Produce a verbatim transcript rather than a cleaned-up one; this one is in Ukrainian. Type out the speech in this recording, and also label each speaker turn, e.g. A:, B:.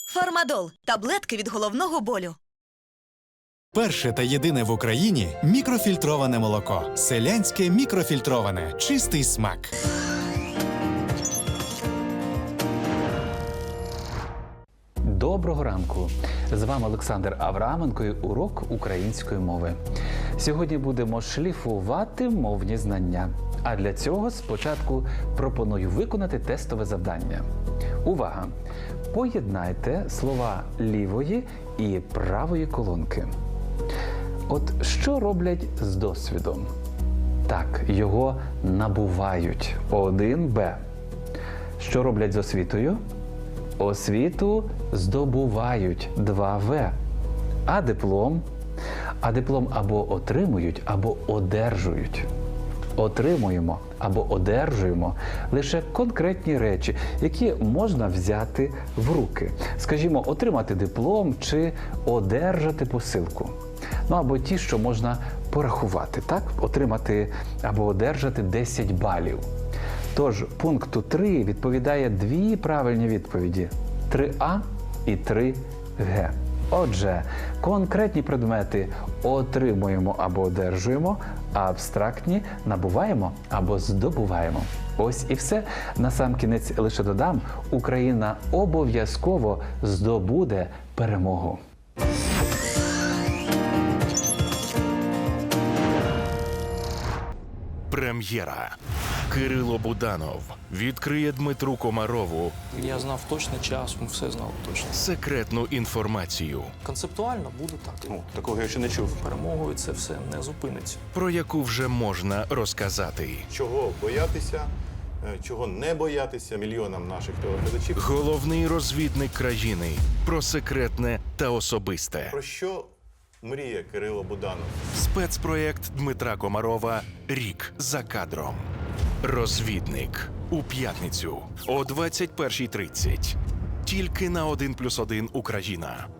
A: Фармадол – таблетки від головного болю.
B: Перше та єдине в Україні мікрофільтроване молоко. Селянське мікрофільтроване. Чистий смак.
C: Доброго ранку! З вами Олександр Авраменко і урок української мови. Сьогодні будемо шліфувати мовні знання. А для цього спочатку пропоную виконати тестове завдання. Увага! Поєднайте слова лівої і правої колонки. От що роблять з досвідом? Так, його набувають. один Б. Що роблять з освітою? Освіту здобувають. два В. А диплом? А диплом або отримують, або одержують. Отримуємо або одержуємо лише конкретні речі, які можна взяти в руки. Скажімо, отримати диплом чи одержати посилку. Ну або ті, що можна порахувати, так? Отримати або одержати десять балів. Тож пункту три відповідає дві правильні відповіді – три А і три Г. Отже, конкретні предмети отримуємо або одержуємо, а абстрактні набуваємо або здобуваємо. Ось і все. Насамкінець лише додам, Україна обов'язково здобуде перемогу.
D: Прем'єра. Кирило Буданов відкриє Дмитру Комарову
E: Я знав точно час, ми все знали точно.
D: секретну інформацію,
E: Концептуально буде так.
F: Ну, такого я ще не чув.
E: Перемогою це все не зупиниться.
D: про яку вже можна розказати.
F: Чого боятися, е, чого не боятися мільйонам наших телеглядачів.
D: Головний розвідник країни про секретне та особисте.
F: Про що мріє Кирило Буданов?
D: Спецпроєкт Дмитра Комарова «Рік за кадром». Розвідник. У п'ятницю о двадцять першій тридцять. Тільки на один плюс один Україна.